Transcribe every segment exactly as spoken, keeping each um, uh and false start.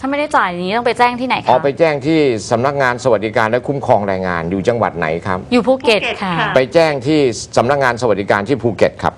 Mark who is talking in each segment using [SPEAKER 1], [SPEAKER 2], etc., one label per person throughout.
[SPEAKER 1] ถ้าไม่ได้จ่ายอย่างนี้ต้องไปแจ้งที่ไหนคะ
[SPEAKER 2] อ๋อไปแจ้งที่สำนักงานสวัสดิการและคุ้มครองแรงงานอยู่จังหวัดไหนครับ
[SPEAKER 1] อยู่ภูเก็ตค่ะ
[SPEAKER 2] ไปแจ้งที่สำนักงานสวัสดิการที่ภูเก็ตครับ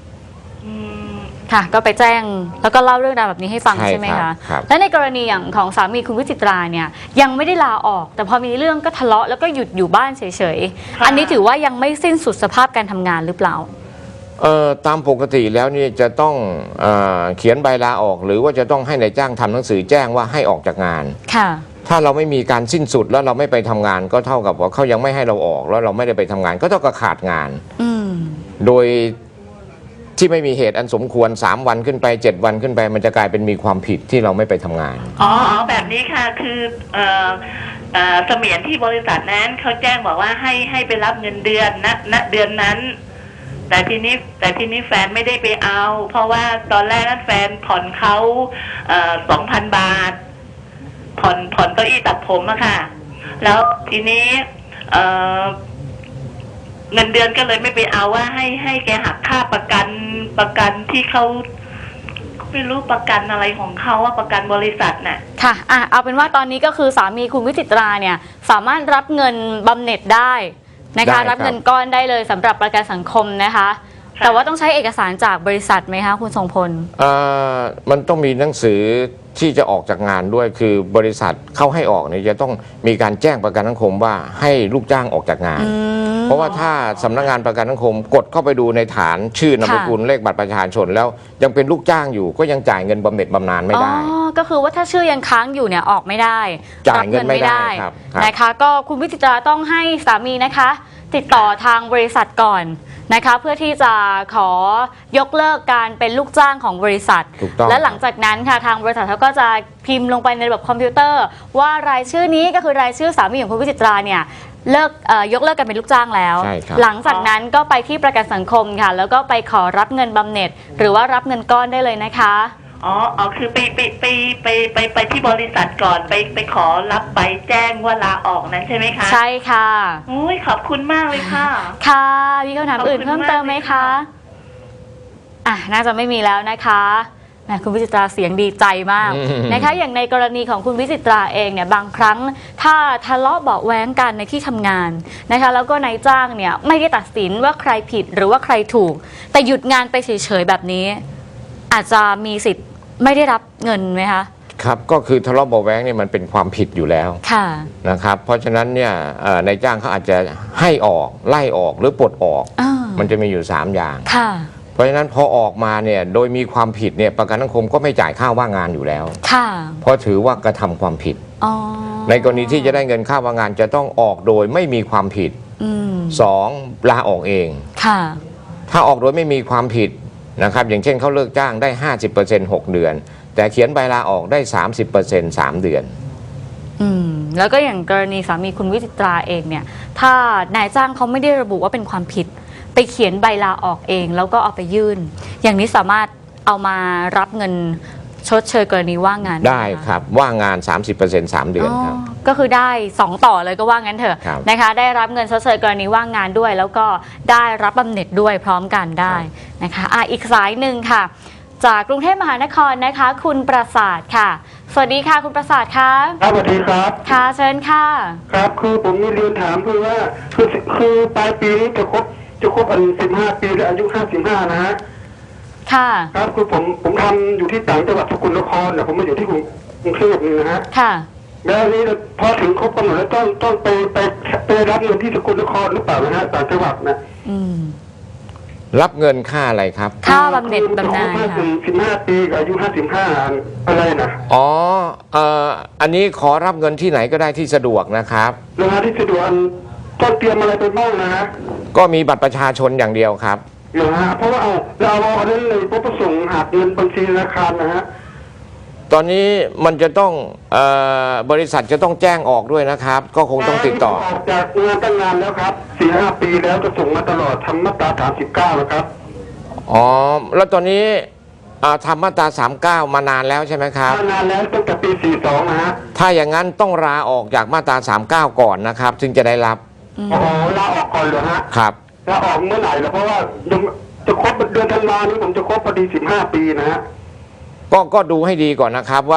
[SPEAKER 1] ค่ะก็ไปแจ้งแล้วก็เล่าเรื่องราวแบบนี้ให้ฟังใช่ไหมคะและในกรณีอย่างของสามีคุณวิจิตราเนี่ยยังไม่ได้ลาออกแต่พอมีเรื่องก็ทะเลาะแล้วก็หยุดอยู่บ้านเฉยๆอันนี้ถือว่ายังไม่สิ้นสุดสภาพการทำงานหรือเปล่า
[SPEAKER 2] เอ่อตามปกติแล้วนี่จะต้องเอ่อเขียนใบลาออกหรือว่าจะต้องให้นายจ้างทำหนังสือแจ้งว่าให้ออกจากงาน
[SPEAKER 1] ค่ะ
[SPEAKER 2] ถ้าเราไม่มีการสิ้นสุดแล้วเราไม่ไปทำงานก็เท่ากับว่าเขายังไม่ให้เราออกแล้วเราไม่ได้ไปทำงานก็เท่ากับขาดงานโดยที่ไม่มีเหตุอันสมควรสามวันขึ้นไปเจ็ดวันขึ้นไปมันจะกลายเป็นมีความผิดที่เราไม่ไปทำงาน
[SPEAKER 3] อ๋อแบบนี้ค่ะคือเอ่อเอ่อเสมียนที่บริษัทนั้นเขาแจ้งบอกว่าให้ให้ไปรับเงินเดือนณณเดือนนั้นแต่ทีนี้แต่ทีนี้แฟนไม่ได้ไปเอาเพราะว่าตอนแรกนั้นแฟนผ่อนเขาเอ่อสองพันบาทผ่อนผ่อนเก้าอี้ตัดผมอะค่ะแล้วทีนี้เอ่อเงินเดือนก็เลยไม่ไปเอาว่าให้ให้แกหักค่าประกันประกันที่เขาไม่รู้ประกันอะไรของเขาว่าประกันบริษัทน่ะ
[SPEAKER 1] ค่ะอ่ะเอาเป็นว่าตอนนี้ก็คือสามีคุณวิจิตราเนี่ยสามารถรับเงินบำเหน็จได้นะคะรับเงินก้อนได้เลยสำหรับประกันสังคมนะคะแต่ว่าต้องใช้เอกสารจากบริษัทไหมคะคุณทรงพล
[SPEAKER 2] เอ่อมันต้องมีหนังสือที่จะออกจากงานด้วยคือบริษัทเข้าให้ออกเนี่ยจะต้องมีการแจ้งประกันสังคมว่าให้ลูกจ้างออกจากงานเพราะว่าถ้าสำนักงานประกันสังคมกดเข้าไปดูในฐานชื่อนามสกุลเลขบัตรประชาชนแล้วยังเป็นลูกจ้างอยู่ก็ยังจ่ายเงินบำเหน็จบำนาญไม่ได้
[SPEAKER 1] อ๋อก็คือว่าถ้าชื่อยังค้างอยู่เนี่ยออกไม่ได้
[SPEAKER 2] จ่ายเงินไม่ได้
[SPEAKER 1] นะคะก็คุณวิจิตราต้องให้สามีนะคะติดต่อทางบริษัทก่อนนะคะเพื่อที่จะขอยกเลิกการเป็นลูกจ้างของบริษัทและหลังจากนั้นค่ะทางบริษัทเขาก็จะพิมพ์ลงไปในระบบคอมพิวเตอร์ว่ารายชื่อนี้ก็คือรายชื่อสามีของคุณวิจิตราเนี่ยเลิกยกเลิกกันเป็นลูกจ้างแล้วหลังจากนั้นก็ไปที่ประกันสังคมค่ะแล้วก็ไปขอรับเงินบำเหน็จหรือว่ารับเงินก้อนได้เลยนะคะ
[SPEAKER 3] อ๋ออ๋อคือไปไปไปไปไปไปที่บริษัทก่อนไปไปขอรับใบแจ้งว่าลาออกนั้นใช่ไหมคะ
[SPEAKER 1] ใช่ค่ะ
[SPEAKER 3] โอ้ยขอบคุณมากเลยค่ะ
[SPEAKER 1] ค่ะมีคำถามอื่นเพิ่มเติมไหมคะอ่ะน่าจะไม่มีแล้วนะคะคุณวิจิตราเสียงดีใจมากนะคะอย่างในกรณีของคุณวิจิตราเองเนี่ยบางครั้งถ้าทะเลาะเบาะแว้งกันในที่ทำงานนะคะแล้วก็นายจ้างเนี่ยไม่ได้ตัดสินว่าใครผิดหรือว่าใครถูกแต่หยุดงานไปเฉยๆแบบนี้อาจจะมีสิทธิ์ไม่ได้รับเงินไหมคะ
[SPEAKER 2] ครับก็คือทะเลาะเบาะแว้งเนี่ยมันเป็นความผิดอยู่แล้วนะครับเพราะฉะนั้นเนี่ยนายจ้างเขาอาจจะให้ออกไล่ออกหรือปลดออกมันจะมีอยู่สามอย่างเพราะฉะนั้นพอออกมาเนี่ยโดยมีความผิดเนี่ยประกันสังคมก็ไม่จ่ายค่าว่างงานอยู่แล้วเพราะถือว่ากระทำความผิดในกรณีที่จะได้เงินค่าว่างงานจะต้องออกโดยไม่มีความผิดสองลาออกเองถ้าออกโดยไม่มีความผิดนะครับอย่างเช่นเขาเลิกจ้างได้ ห้าสิบเปอร์เซ็นต์ หกเดือนแต่เขียนใบลาออกได้ สามสิบเปอร์เซ็นต์ สามเดือน
[SPEAKER 1] อืมแล้วก็อย่างกรณีสามีคุณวิจิตราเองเนี่ยถ้านายจ้างเขาไม่ได้ระบุว่าเป็นความผิดไปเขียนใบลาออกเองแล้วก็เอาไปยื่นอย่างนี้สามารถเอามารับเงินชดเชยกรณีว่างงาน
[SPEAKER 2] ได้ครับว่างงาน สามสิบเปอร์เซ็นต์ สามเดือนครับ
[SPEAKER 1] ก็คือได้สองต่อเลยก็ว่างั้นเถอะนะคะได้รับเงินชดเชยกรณีว่างงานด้วยแล้วก็ได้รับบำเหน็จด้วยพร้อมกันได้นะคะอ่ะอีกสายหนึ่งค่ะจากกรุงเทพมหานครนะคะคุณประสาทค่ะสวัสดีค่ะคุณประสาทค่ะ
[SPEAKER 4] ครับสวัสดีครับ
[SPEAKER 1] ค่ะเชิญค่ะ
[SPEAKER 4] ครับคือผมมีเรียนถามคือว่าคือคือปลายปีนี้จะครบจะครบอายุสิบห้าปีและอายุห้าสิบห้านะฮะ
[SPEAKER 1] ค่ะ
[SPEAKER 4] ครับคือผมผมทำอยู่ที่ต่างจังหวัดสกลนครแต่ผมมาอยู่ที่กรุงเทพนี่นะฮะ
[SPEAKER 1] ค่ะ
[SPEAKER 4] แล้วนี้พอถึงครบกำหนดแล้วต้องต้องไปไปไปรับเงินที่สกลนครหรือเปล่านะฮะต่างจังหวัดนะ
[SPEAKER 1] อืม
[SPEAKER 2] รับเงินค่าอะไรครับ
[SPEAKER 1] ค่าบำเหน็จบำนาญค่ะ
[SPEAKER 4] สิบห้าปีอายุห้าสิบห้าอะไรนะ
[SPEAKER 2] อ๋อเอ่ออันนี้ขอรับเงินที่ไหนก็ได้ที่สะดวกนะครับ
[SPEAKER 4] นะฮะที่สะดวกต้องเตรียมอะไรไปบ้างนะฮะ
[SPEAKER 2] ก็มีบัตรประชาชนอย่างเดียวครับ
[SPEAKER 4] นะฮะเพราะว่าเอาเราเอาเรื่องเลยพวกประสงค์หักเงินบัญชีธนาคารนะฮะ
[SPEAKER 2] ตอนนี้มันจะต้องเอ่อบริษัทจะต้องแจ้งออกด้วยนะครับก็คงต้องติดต่อ
[SPEAKER 4] ออกจากงานตั้งนานแล้วครับสี่ห้าปีแล้วจะส่งมาตลอดทำมาตราสามสิบเก้าแล้วครับ
[SPEAKER 2] อ๋อแล้วตอนนี้ทำมาตราสามสิบเก้ามานานแล้วใช่ไหมครับ
[SPEAKER 4] มานานแล้วตั้งแต่ปีสี่สิบสองนะฮะ
[SPEAKER 2] ถ้าอย่างนั้นต้องลาออกจากมาตราสามสิบเก้าก่อนนะครับจึงจะได้รับ
[SPEAKER 4] อ๋อลาออกก่อนเหรอฮะ
[SPEAKER 2] ครับ
[SPEAKER 4] ลาออกเมื่อไหร่แล้วเพราะว่าจะครบเดือนธันวาคมนี้ผมจะครบพอดีสิบห้าปีนะฮะ
[SPEAKER 2] ก็ก็ดูให้ดีก่อนนะครับว่า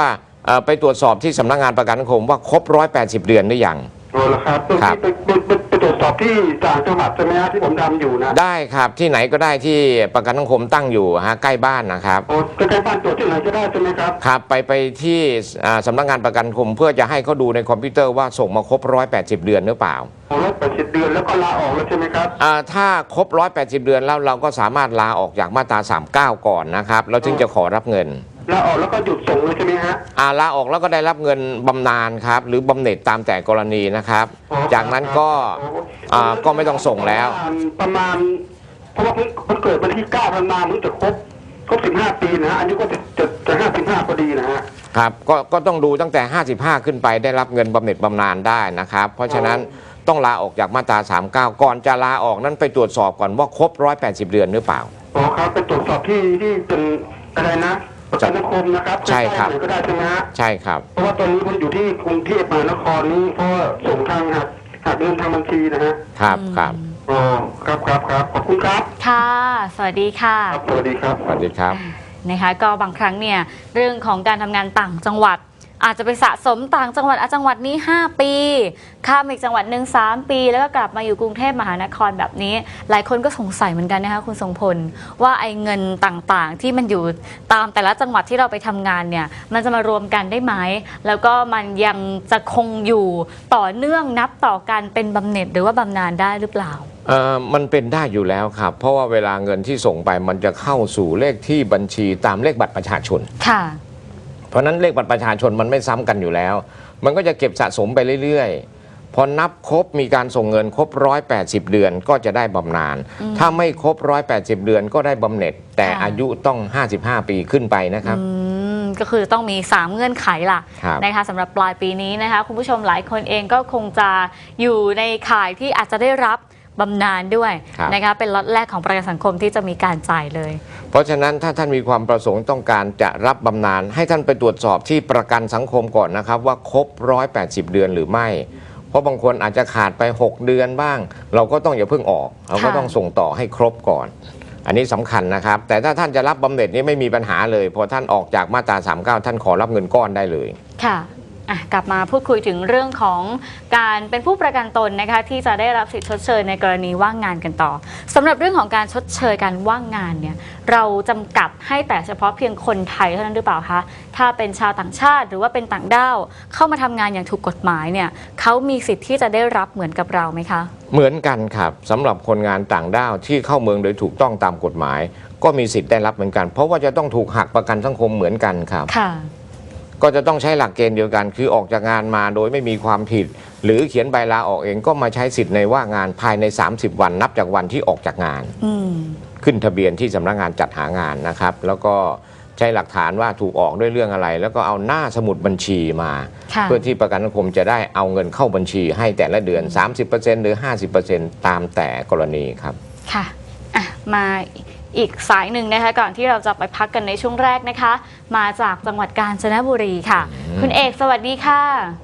[SPEAKER 2] เอ่อไปตรวจสอบที่สำนักงานประกันสังคมว่าครบร้อยแปดสิบเดือนหรือยัง
[SPEAKER 4] โอ้ละครับตรง
[SPEAKER 2] ครับ
[SPEAKER 4] ที่ไปไปไปตรวจสอบที่ต่างจังหวัดใช่ไหมฮะที่ผมทำอยู่นะ
[SPEAKER 2] ได้ครับที่ไหนก็ได้ที่ประกันสังคมตั้งอยู่ฮะใกล้บ้านนะครับ
[SPEAKER 4] โอ้ใกล้ๆบ้านตรวจที่ไหนก็ได้ใช่ไหมครับ
[SPEAKER 2] ครับไปไปที่อ่าสำนักงานประกันสังคมเพื่อจะให้เขาดูในคอมพิวเตอร์ว่าส่งมาครบร้อยแปดสิบเดือนหรือเปล่า
[SPEAKER 4] โอ้ร้อยแปดสิบเดือนแล้วก็ลาออกแล้วใช่ไหมครับ
[SPEAKER 2] อ่าถ้าครบร้อยแปดสิบเดือนแล้วเราก็สามารถลาออกจากมาตราสามสิบเก้าก่อนนะครับแล้วถึงจะขอรับเงิน
[SPEAKER 4] ลาออกแล้วก็หยุดส่งเลยใช่ไหมฮะ
[SPEAKER 2] อ่าลาออกแล้วก็ได้รับเงินบำนาญครับหรือบำเหน็จตามแต่กรณีนะครับ
[SPEAKER 4] อ๋อ
[SPEAKER 2] จากนั้นก็
[SPEAKER 4] อ๋อ
[SPEAKER 2] อ่าก็ไม่ต้องส่งแล้ว
[SPEAKER 4] ประมาณเพราะว่าเพิ่งเพิ่งเกิดวันที่เก้าธันวาคมเพิ่งจะครบครบสิบห้าปีนะฮะอายุก็จะจะจะห้าสิบห้าพอดีนะฮะ
[SPEAKER 2] ครับก็ก็ต้องดูตั้งแต่ห้าสิบห้าขึ้นไปได้รับเงินบำเหน็จบำนาญได้นะครับเพราะฉะนั้นต้องลาออกจากมาตราสามสิบเก้าก่อนจะลาออกนั้นไปตรวจสอบก่อนว่าครบร้อยแปดสิบเดือนหรือเปล่า
[SPEAKER 4] อ๋อครับไปตรวจสอบที่ที่เป็นอะไรนะประกันสังคมนะครับ
[SPEAKER 2] ใช่ครับ
[SPEAKER 4] ใกล้ๆหน่อยก็ได้ใช่ไหมฮะ
[SPEAKER 2] ใช่ครับ
[SPEAKER 4] เพราะว่าตอนนี้ผมอยู่ที่กรุงเทพมหานครนี้เพราะว่าส่งทางหักหักเงินทางบัญชีนะฮะ
[SPEAKER 2] ครับครับ
[SPEAKER 4] อ๋อครับครับครับขอบคุณครับ
[SPEAKER 1] ค่ะ สวัสดีค่ะ
[SPEAKER 4] ครับสวัสดีครับ
[SPEAKER 2] สวัสดีครับ
[SPEAKER 1] นะคะก็บางครั้งเนี่ยเรื่องของการทำงานต่างจังหวัด อาจจะไปสะสมต่างจังหวัดอ่ะจังหวัดนี้ห้าปีข้ามอีกจังหวัดหนึ่งสามปี แล้วก็กลับมาอยู่กรุงเทพมหานครแบบนี้ หลายคนก็สงสัยเหมือนกันนะคะคุณทรงพลว่าไอ้เงินต่างๆ ที่มันอยู่ตามแต่ละจังหวัดที่เราไปทำงานเนี่ยมันจะมารวมกันได้ไหมแล้วก็มันยังจะคงอยู่ต่อเนื่องนับต่อกันเป็นบำเหน็จหรือว่าบำนาญได้หรือเปล่า
[SPEAKER 2] เอ่อมันเป็นได้อยู่แล้วครับ เพราะว่าเวลาเงินที่ส่งไปมันจะเข้าสู่เลขที่บัญชีตามเลขบัตรประชาชน
[SPEAKER 1] ค่ะ
[SPEAKER 2] เพราะฉะนั้นเลขบัตรประชาชนมันไม่ซ้ำกันอยู่แล้ว มันก็จะเก็บสะสมไปเรื่อยๆ พอนับครบมีการส่งเงินครบร้อยแปดสิบเดือนก็จะได้บำนาญ ถ้าไม่ครบร้อยแปดสิบเดือนก็ได้บำเหน็จ แต่
[SPEAKER 1] ค่ะ
[SPEAKER 2] อายุต้องห้าสิบห้าปีขึ้นไปนะครับ
[SPEAKER 1] อืมก็คือต้องมีสามเงื่อนไขล่ะ
[SPEAKER 2] ครับ
[SPEAKER 1] นะคะสำหรับปลายปีนี้นะคะคุณผู้ชมหลายคนเองก็คงจะอยู่ในข่ายที่อาจจะได้รับบำนาญด้วย
[SPEAKER 2] ครับ
[SPEAKER 1] นะคะเป็นล็อตแรกของประกันสังคมที่จะมีการจ่ายเลย
[SPEAKER 2] เพราะฉะนั้นถ้าท่านมีความประสงค์ต้องการจะรับบำนาญให้ท่านไปตรวจสอบที่ประกันสังคมก่อนนะครับว่าครบร้อยแปดสิบเดือนหรือไม่ เพราะบางคนอาจจะขาดไปหกเดือนบ้าง เราก็ต้องอย่าเพิ่งออกเราก็
[SPEAKER 1] ค่ะ
[SPEAKER 2] ต้องส่งต่อให้ครบก่อน อันนี้สำคัญนะครับ แต่ถ้าท่านจะรับบำเหน็จนี้ไม่มีปัญหาเลยพอท่านออกจากมาตราสามสิบเก้าท่านขอรับเงินก้อนได้เลย
[SPEAKER 1] ค่ะอ่ะ กลับมาพูดคุยถึงเรื่องของการเป็นผู้ประกันตนนะคะที่จะได้รับสิทธิชดเชยในกรณีว่างงานกันต่อสำหรับเรื่องของการชดเชยการว่างงานเนี่ยเราจำกัดให้แต่เฉพาะเพียงคนไทยเท่านั้นหรือเปล่าคะถ้าเป็นชาวต่างชาติหรือว่าเป็นต่างด้าวเข้ามาทำงานอย่างถูกกฎหมายเนี่ยเขามีสิทธิ์ที่จะได้รับเหมือนกับเราไหมคะ
[SPEAKER 2] เหมือนกันครับสำหรับคนงานต่างด้าวที่เข้าเมืองโดยถูกต้องตามกฎหมาย ก็มีสิทธิ์ได้รับเหมือนกัน เพราะว่าจะต้องถูกหักประกันสังคมเหมือนกันครับ
[SPEAKER 1] ค่ะ
[SPEAKER 2] ก็จะต้องใช้หลักเกณฑ์เดียวกัน คือออกจากงานมาโดยไม่มีความผิด หรือเขียนใบลาออกเองก็มาใช้สิทธิ์ในว่างงานภายในสามสิบวันนับจากวันที่ออกจากงาน
[SPEAKER 1] อืม
[SPEAKER 2] ขึ้นทะเบียนที่สำนักงานจัดหางานนะครับ แล้วก็ใช้หลักฐานว่าถูกออกด้วยเรื่องอะไร แล้วก็เอาหน้าสมุดบัญชีมา
[SPEAKER 1] ค่ะ
[SPEAKER 2] เพื่อที่ประกันสังคมจะได้เอาเงินเข้าบัญชีให้แต่ละเดือน สามสิบเปอร์เซ็นต์ หรือ ห้าสิบเปอร์เซ็นต์ ตามแต่กรณีครับ
[SPEAKER 1] ค่ะอ่ะ มาอีกสายหนึ่งนะคะก่อนที่เราจะไปพักกันในช่วงแรกนะคะ มาจากจังหวัดกาญจนบุรีค่ะ คุณเอกสวัสดีค่ะ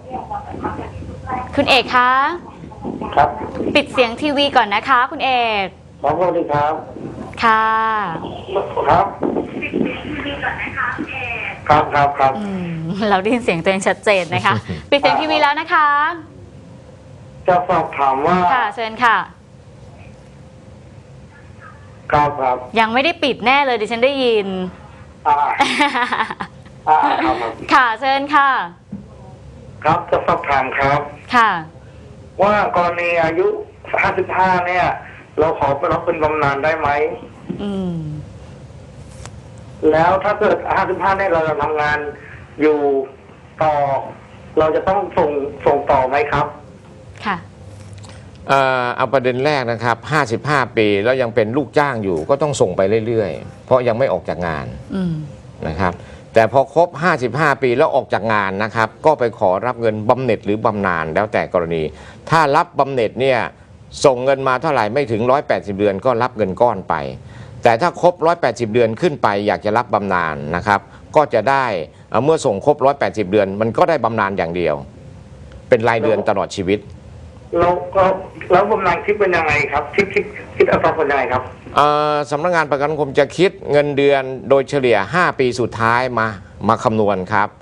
[SPEAKER 1] คุณเอกคะ
[SPEAKER 4] ครับ
[SPEAKER 1] ปิดเสียงทีวีก่อนนะคะ คุณเอก
[SPEAKER 4] ครับสวัสดีครับ
[SPEAKER 1] ค่ะ
[SPEAKER 4] ครับครับครับครับ
[SPEAKER 1] อืมเราได้ยินเสียงตัวเองชัดเจนนะคะ ปิดเสียงทีวีแล้วนะคะ
[SPEAKER 4] จะสอบถามว่า
[SPEAKER 1] ค่ะเชิญค่ะ
[SPEAKER 4] ครับครับ
[SPEAKER 1] ยังไม่ได้ปิดแน่เลยดิฉันได้ยิน
[SPEAKER 4] อ่าอ่าครับครับ
[SPEAKER 1] ค่ะเชิญค่ะ
[SPEAKER 4] ครับจะสอบถามครับ
[SPEAKER 1] ค่ะ
[SPEAKER 4] ว่ากรณีอายุห้าสิบห้าเนี่ย เราขอไปรับเป็นบำนาญได้ไหม
[SPEAKER 1] อืม
[SPEAKER 4] แล้วถ้าเกิดห้าสิบห้าเนี่ยเราจะทำงานอยู่ต่อ เราจะต้องส่งส่งต่อไหมครับ
[SPEAKER 1] ค่ะ
[SPEAKER 2] เอ่อเอาประเด็นแรกนะครับ ห้าสิบห้า ปีแล้วยังเป็นลูกจ้างอยู่ก็ต้องส่งไปเรื่อยๆ เพราะยังไม่ออกจากงาน
[SPEAKER 1] อืม
[SPEAKER 2] นะครับ แต่พอครบ ห้าสิบห้า ปีแล้วออกจากงานนะครับ ก็ไปขอรับเงินบำเหน็จหรือบำนาญแล้วแต่กรณี ถ้ารับบำเหน็จเนี่ยส่งเงินมาเท่าไหร่ไม่ถึงหนึ่งร้อยแปดสิบเดือนก็รับเงินก้อนไป แต่ถ้าครบหนึ่งร้อยแปดสิบเดือนขึ้นไปอยากจะรับบำนาญนะครับ ก็จะได้เอ่อเมื่อส่งครบหนึ่งร้อยแปดสิบเดือน มันก็ได้บำนาญอย่างเดียว เป็นรายเดือนตลอดชีวิต
[SPEAKER 4] แล้วก็แล้วบำนาญคิดเป็นยังไงครับ คิดคิดคิดอัตราเป็นยังไงครับ
[SPEAKER 2] เอ่อสำนักงานประกันสังคมจะคิดเงินเดือนโดยเฉลี่ย ห้า ปีสุดท้ายมามาคำนวณครับ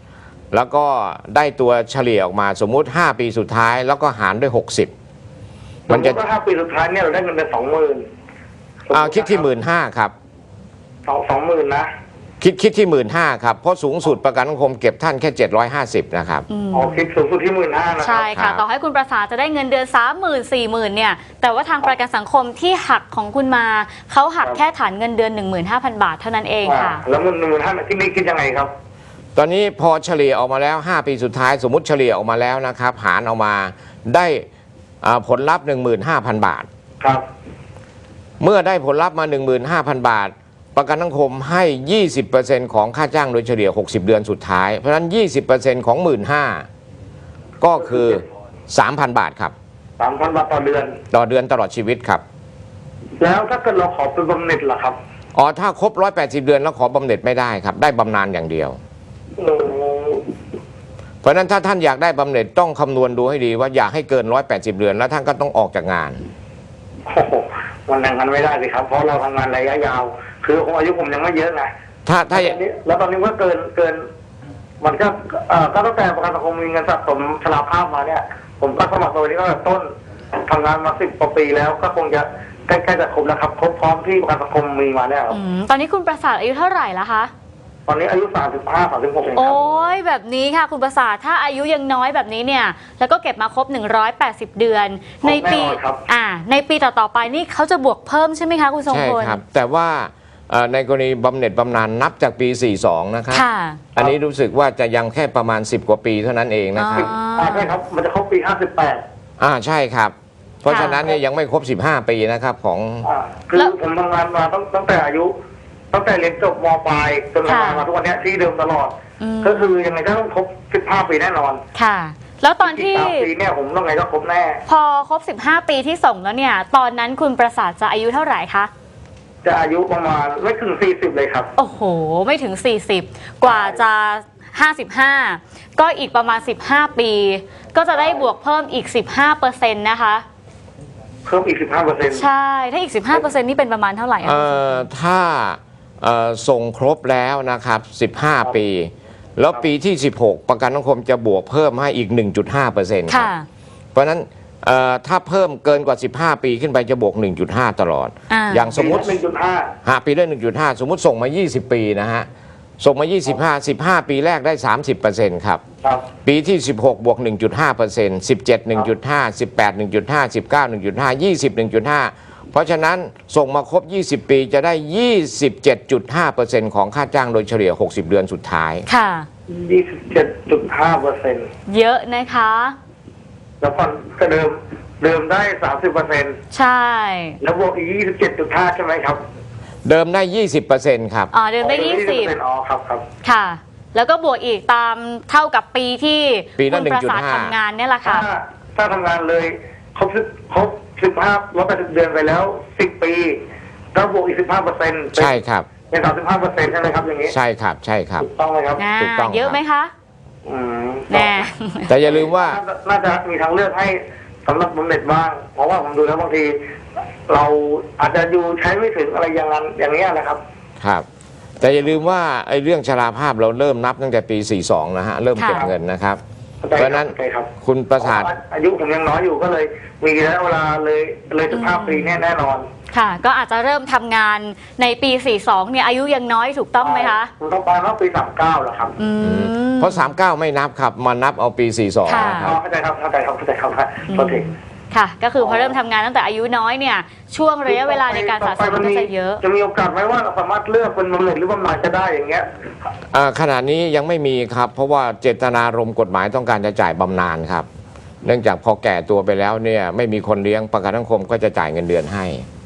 [SPEAKER 2] แล้วก็ได้ตัวเฉลี่ยออกมาสมมุติห้าปีสุดท้ายแล้วก็หารด้วยหกสิบมันจะ
[SPEAKER 4] สติว่าห้าปีสุดท้ายเนี่ยเราได้เงินเดือนสองหมื่น
[SPEAKER 2] อ่าคิดที่หมื่นห้าครับ
[SPEAKER 4] สองสองหมื่นนะ
[SPEAKER 2] คิดคิดที่หมื่นห้าครับเพราะสูงสุดประกันสังคมเก็บท่านแค่เจ็ดร้อยห้าสิบนะครับ
[SPEAKER 4] อ๋อคิดสูงสุดที่หมื่นห้านะค
[SPEAKER 1] ใช่
[SPEAKER 4] รับ
[SPEAKER 1] ค่ะ
[SPEAKER 2] ครับ
[SPEAKER 1] ต่อให้คุณประสาทจะได้เงินเดือน สามหมื่น สี่หมื่น เนี่ย แต่ว่าทางประกันสังคมที่หักของคุณมาเขาหักแค่ฐานเงินเดือน หนึ่งหมื่นห้าพัน บาทเท่านั้นเองค่ะ
[SPEAKER 4] อ่าแล้วเงินหนึ่งหมื่นห้าที่นี่คิดยังไงครับ
[SPEAKER 2] ตอนนี้พอเฉลี่ยออกมาแล้วห้าปีสุดท้ายสมมุติเฉลี่ยออกมาแล้วนะครับหารออกมาได้อ่าผลลัพธ์ หนึ่งหมื่นห้าพัน บาท
[SPEAKER 4] ครับ
[SPEAKER 2] เมื่อได้ผลลัพธ์มา หนึ่งหมื่นห้าพัน บาท ประกันสังคมให้ ยี่สิบเปอร์เซ็นต์ ของค่าจ้างโดยเฉลี่ยหกสิบเดือนสุดท้ายเพราะฉะนั้น ยี่สิบเปอร์เซ็นต์ ของ หนึ่งหมื่นห้าพัน ก็คือ สามพัน บาทครับ
[SPEAKER 4] สามพันบาทต่อเดือน
[SPEAKER 2] ต่อเดือนตลอดชีวิตครับ
[SPEAKER 4] แล้วถ้าเกิดเราขอเป็นบำเหน็จล่ะครับ
[SPEAKER 2] อ๋อถ้าครบหนึ่งร้อยแปดสิบเดือนแล้วขอบำเหน็จไม่ได้ครับได้บำนาญอย่างเดียว
[SPEAKER 4] โอ้
[SPEAKER 2] เพราะฉะนั้นถ้าท่านอยากได้บำเหน็จต้องคำนวณดูให้ดีว่าอยากให้เกินหนึ่งร้อยแปดสิบเดือนแล้วท่านก็ต้องออกจากงาน
[SPEAKER 4] โหมันอย่างนั้นไม่ได้เลยครับ เพราะเราทำงานระยะยาว คือผมอายุผมยังไม่เยอะไง
[SPEAKER 2] ถ้าถ้า
[SPEAKER 4] แล้วตอนนี้แล้วตอนนี้ก็เกินเกิน มันก็เอ่อก็ตั้งแต่ประกันสังคมมีเงินสะสมชราภาพมาเนี่ย ผมก็สมัครตัวนี้ก็ต้นทำงานมาสิบกว่าปีแล้วก็คงจะใกล้ๆจะครบแล้วครับครบพร้อมที่ประกันสังคมมีมาเนี่ยครับ
[SPEAKER 1] อืมตอนนี้คุณประสาทอายุเท่าไหร่แล้วคะ
[SPEAKER 4] ตอนนี้อายุสามสิบห้า สามสิบหกเองค
[SPEAKER 1] โอ้
[SPEAKER 4] รับ
[SPEAKER 1] ยแบบนี้ค่ะคุณประสาทถ้าอายุยังน้อยแบบนี้เนี่ยแล้วก็เก็บมาครบ หนึ่งร้อยแปดสิบ เดือน ในปี
[SPEAKER 4] แน่นอนครับ
[SPEAKER 1] อ่าในปีต่อๆไปนี่เขาจะบวกเพิ่มใช่ไหมคะคุณทรง
[SPEAKER 2] ใช่
[SPEAKER 1] พล
[SPEAKER 2] ครับ แต่ว่าเอ่อในกรณีบำเหน็จบำนาญนับจากปี สี่สิบสอง นะครับ
[SPEAKER 1] ค่ะ
[SPEAKER 2] อันนี้รู้สึกว่าจะยังแค่ประมาณ สิบ กว่าปีเท่านั้นเองนะครับ
[SPEAKER 1] อ๋อ
[SPEAKER 4] อ่าใช่ครับ มันจะครบปีห้าสิบแปด
[SPEAKER 2] อ่าใช่ครับ เพราะฉะนั้นเนี่ยยังไม่ครบ สิบห้า ปีนะครับของ
[SPEAKER 4] อ่าคือผมทำงานมาตั้งตั้งแต่อายุ ตั้งแต่เรียนจบมปลายจนทำงานมาทุกวันเนี้ยที่เดิมตลอด
[SPEAKER 1] อืม
[SPEAKER 4] ก็คือยังไงก็ต้องครบสิบห้าปีแน่นอน
[SPEAKER 1] ค่ะ แล้วตอนที่
[SPEAKER 4] สามปีเนี่ยผมต้องไงก็ครบแน่
[SPEAKER 1] พอครบ สิบห้า ปีที่ส่งแล้วเนี่ย ตอนนั้นคุณประสาทจะอายุเท่าไหร่คะ
[SPEAKER 4] จะอายุประมาณไม่ถึงสี่สิบเลยครับ
[SPEAKER 1] โอ้โห ไม่ถึง สี่สิบ กว่าจะ ห้าสิบห้า ก็อีกประมาณ สิบห้า ปี ก็จะได้บวกเพิ่มอีก สิบห้าเปอร์เซ็นต์ นะคะ
[SPEAKER 4] เพิ่มอีกสิบห้าเปอร์เซ็นต์
[SPEAKER 1] ใช่ ถ้าอีก สิบห้าเปอร์เซ็นต์ นี่เป็นประมาณเท่าไหร่อะ
[SPEAKER 2] เอ่อถ้าเอ่อส่งครบแล้วนะครับ สิบห้า ปี แล้วปีที่ สิบหก ประกันสังคมจะบวกเพิ่มให้อีก หนึ่งจุดห้าเปอร์เซ็นต์ ครั
[SPEAKER 1] ค่ะ
[SPEAKER 2] บ เพราะฉะนั้นเอ่อถ้าเพิ่มเกินกว่า สิบห้า ปีขึ้นไปจะบวก หนึ่งจุดห้า ตลอด
[SPEAKER 1] อ่า
[SPEAKER 2] อย่างสมมุติ
[SPEAKER 4] หนึ่งจุดห้า
[SPEAKER 2] หาปีได้ หนึ่งจุดห้า สมมุติส่งมา ยี่สิบ ปีนะฮะ ส่งมา ยี่สิบห้า สิบห้า ปีแรกได้ สามสิบเปอร์เซ็นต์ ครับ
[SPEAKER 4] ครับ
[SPEAKER 2] ปีที่ สิบหก บวก หนึ่งจุดห้าเปอร์เซ็นต์ สิบเจ็ด หนึ่งจุดห้า สิบแปด หนึ่งจุดห้า สิบเก้า หนึ่งจุดห้า ยี่สิบ หนึ่งจุดห้า เพราะฉะนั้นส่งมาครบ ยี่สิบ ปีจะได้ ยี่สิบเจ็ดจุดห้าเปอร์เซ็นต์ ของค่าจ้างโดยเฉลี่ย หกสิบ เดือนสุดท้าย
[SPEAKER 1] ค่ะ
[SPEAKER 4] ยี่สิบเจ็ดจุดห้าเปอร์เซ็นต์
[SPEAKER 1] เยอะนะคะ
[SPEAKER 4] แล้วผ่อนก็เดิมเดิมได้สามสิบเปอร์เซ็นต์
[SPEAKER 1] ใช่
[SPEAKER 4] แล้วบวกอีกยี่สิบเจ็ดจุดห้าใช่ไหมครับ
[SPEAKER 2] เดิมได้ ยี่สิบเปอร์เซ็นต์ ครับ
[SPEAKER 1] อ๋อ เดิมได้ ยี่สิบ
[SPEAKER 4] อ๋อครับครับ
[SPEAKER 1] ค่ะ แล้วก็บวกอีกตามเท่ากับปีที่
[SPEAKER 2] ปีละ
[SPEAKER 1] คุณประสาท
[SPEAKER 2] หนึ่งจุดห้า
[SPEAKER 1] ทำงานเนี่ยแหละ
[SPEAKER 4] ถ้า
[SPEAKER 1] ค่ะ
[SPEAKER 4] ถ้าทำงานเลยครบสิบครบสิบห้าร้อยแปดสิบเดือนไปแล้วสิบปีก็บวกอีกสิบห้าเปอร์เซ็นต์
[SPEAKER 2] ใช่ครับ
[SPEAKER 4] เป็นสามสิบห้าเปอร์เซ็นต์ใช่ไหมครับอย่างนี้
[SPEAKER 2] ใช่ครับ ใช่ครับ
[SPEAKER 4] ถูกต้องไหมครับ
[SPEAKER 1] อ่า
[SPEAKER 2] ถูกต้อง
[SPEAKER 1] เยอะไหมคะ
[SPEAKER 4] อืม
[SPEAKER 1] แน่
[SPEAKER 2] แต่อย่าลืมว่า
[SPEAKER 4] น่าจะมีทางเลือกให้สำหรับบำเหน็จบ้าง เพราะว่าผมดูแล้วบางที เราอาจจะอยู่ใช้ไม่ถึงอะไรอย่างนั้นอย่างนี้ยนะครับ
[SPEAKER 2] ครับ แต่อย่าลืมว่าไอ้เรื่องชราภาพเราเริ่มนับตั้งแต่ปี สี่สิบสอง นะฮะ เริ่มเก็บ
[SPEAKER 1] ค่ะ
[SPEAKER 2] เงินนะครับ
[SPEAKER 4] เข้าใจ
[SPEAKER 2] เพราะฉะนั้น
[SPEAKER 4] เข้าใจครับ
[SPEAKER 2] คุณประสาท
[SPEAKER 4] อายุผมยังน้อยอยู่ก็เลย มีระยะเวลาเลยเลยสิบห้าปีเนี่ยแน่นอน
[SPEAKER 1] ค่ะ ก็อาจจะเริ่มทำงานในปี สี่สิบสอง เนี่ยอายุยังน้อยถูกต้องไหมคะ
[SPEAKER 4] ผมต้องไปเมื่อปีสามเก้าแล้วครับ
[SPEAKER 1] อืม
[SPEAKER 2] เพราะ สามสิบเก้า ไม่นับครับ มานับเอาปี สี่สิบสอง
[SPEAKER 1] ค่ะ
[SPEAKER 2] นะค
[SPEAKER 4] อ๋
[SPEAKER 2] รั
[SPEAKER 4] อบ เข้าใจครับเข้าใจครับเข้าใจครับโทษที
[SPEAKER 1] ค่ะ ก็คือพอเริ่มทำงานตั้งแต่อายุน้อยเนี่ย ช่วงระยะเวลาในการสะสมก็จะเยอะ
[SPEAKER 4] จะมีโอกาสไหมว่าเราสามารถเลือกเป็นบำเหน็จหรือบำนาญจะได้อย่างเงี้ย
[SPEAKER 2] อ่าขณะนี้ยังไม่มีครับ เพราะว่าเจตนารมณ์กฎหมายต้องการจะจ่ายบำนาญครับ เนื่องจากพอแก่ตัวไปแล้วเนี่ยไม่มีคนเลี้ยงประกันสังคมก็จะจ่ายเงินเดือนให้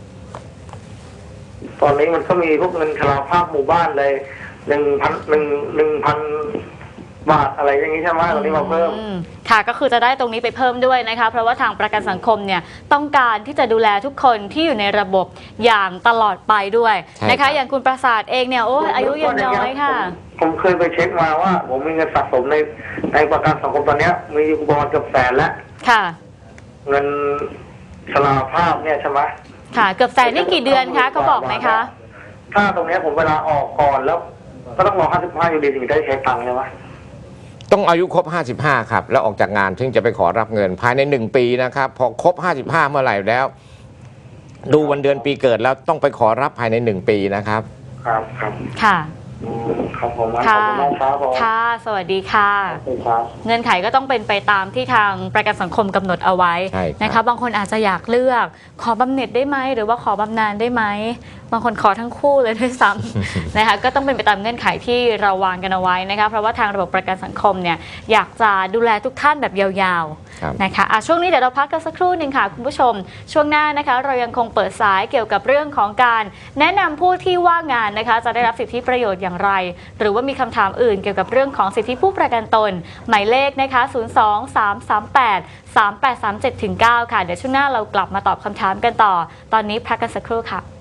[SPEAKER 4] ตอนนี้มันก็มีพวกเงินชราภาพหมู่บ้านเลยหนึ่งพันหนึ่งหนึ่งพันบาทอะไรอย่างนี้ใช่ไหมตอนนี้มาเพิ่ม
[SPEAKER 1] อืมค่ะ ก็คือจะได้ตรงนี้ไปเพิ่มด้วยนะคะ เพราะว่าทางประกันสังคมเนี่ยต้องการที่จะดูแลทุกคนที่อยู่ในระบบอย่างตลอดไปด้วย
[SPEAKER 2] ใช่
[SPEAKER 1] นะ
[SPEAKER 2] ครั
[SPEAKER 1] คะ
[SPEAKER 2] บ
[SPEAKER 1] อย่างคุณประสาทเองเนี่ยโอ้ยอายุยังน้อยค่ะ
[SPEAKER 4] ผมผมเคยไปเช็คมาว่า ผมมีเงินสะสมในในประกันสังคมตอนเนี้ยมีอยู่ประมาณเกือบแสนแล้ว
[SPEAKER 1] ค่ะ
[SPEAKER 4] เงินชราภาพเนี่ยใช่ไหม
[SPEAKER 1] ค่ะ เกือบแสนนี่กี่เดือนคะเขาบอกไหมคะ
[SPEAKER 4] ถ้าตรงเนี้ยผมเวลาออกก่อนแล้ว ก็ต้องรอห้าสิบห้าอยู่ดีถึงจะได้ใช้ตังค์ใช่ไหม
[SPEAKER 2] ต้องอายุครบห้าสิบห้าครับแล้วออกจากงานถึงจะไปขอรับเงินภายในหนึ่งปีนะครับพอครบห้าสิบห้าเมื่อไหร่แล้ว ดูวันเดือนปีเกิดแล้วต้องไปขอรับภายในหนึ่งปีนะครับ
[SPEAKER 4] ครับครับ
[SPEAKER 1] ค่ะ
[SPEAKER 4] อืมครับผมขอบ
[SPEAKER 1] ค่ะ
[SPEAKER 4] คุณมากครับผม
[SPEAKER 1] ค่ะ สวัสดีค่ะ
[SPEAKER 4] ขอบคุณครับ
[SPEAKER 1] เงื่อนไขก็ต้องเป็นไปตามที่ทางประกันสังคมกำหนดเอาไว้
[SPEAKER 2] ใช่ครับ
[SPEAKER 1] นะคะบางคนอาจจะอยากเลือกขอบำเหน็จได้ไหมหรือว่าขอบำนาญได้ไหมบางคนขอทั้งคู่เลยด้วยซ้ำ นะคะก็ต้องเป็นไปตามเงื่อนไขที่เราวางกันเอาไว้นะคะเพราะว่าทางระบบประกันสังคมเนี่ยอยากจะดูแลทุกท่านแบบยาวๆนะคะอ่ะช่วงนี้เดี๋ยวเราพักกันสักครู่หนึ่งค่ะคุณผู้ชมช่วงหน้านะคะเรายังคงเปิดสายเกี่ยวกับเรื่องของการแนะนำผู้ที่ว่างงานนะคะจะได้รับสิทธิประโยชน์อย่างไร หรือว่ามีคำถามอื่นเกี่ยวกับเรื่องของสิทธิผู้ประกันตนหมายเลขนะคะศูนย์ สอง สาม สาม แปด สาม แปด สาม เจ็ด เก้า ค่ะเดี๋ยวช่วงหน้าเรากลับมาตอบคำถามกันต่อตอนนี้พักกันสักครู่ค่ะ